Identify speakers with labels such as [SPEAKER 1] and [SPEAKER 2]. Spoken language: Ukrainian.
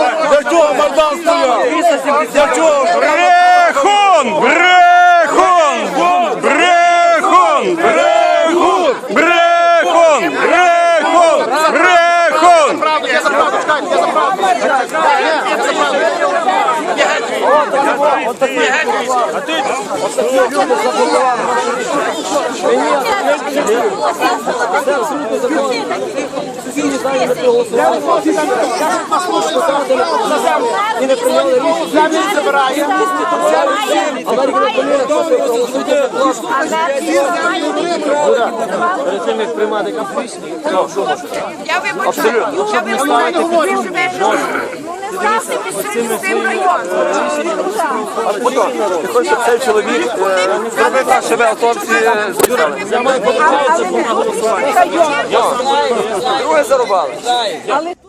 [SPEAKER 1] Для чого Майдан стояв? Для чого?
[SPEAKER 2] Брехун! Брехун! Брехун! Брехун! Брехун! Брехун! Брехун!
[SPEAKER 3] Я за правду, чекайте, я за правду.
[SPEAKER 4] Я вибачаю, ви здався місцевим цим районом.
[SPEAKER 1] Ти хочеш, щоб цей чоловік зробив так, щоб автопсі збирали? Я маю побачити, що на голосування. Друге зарубали.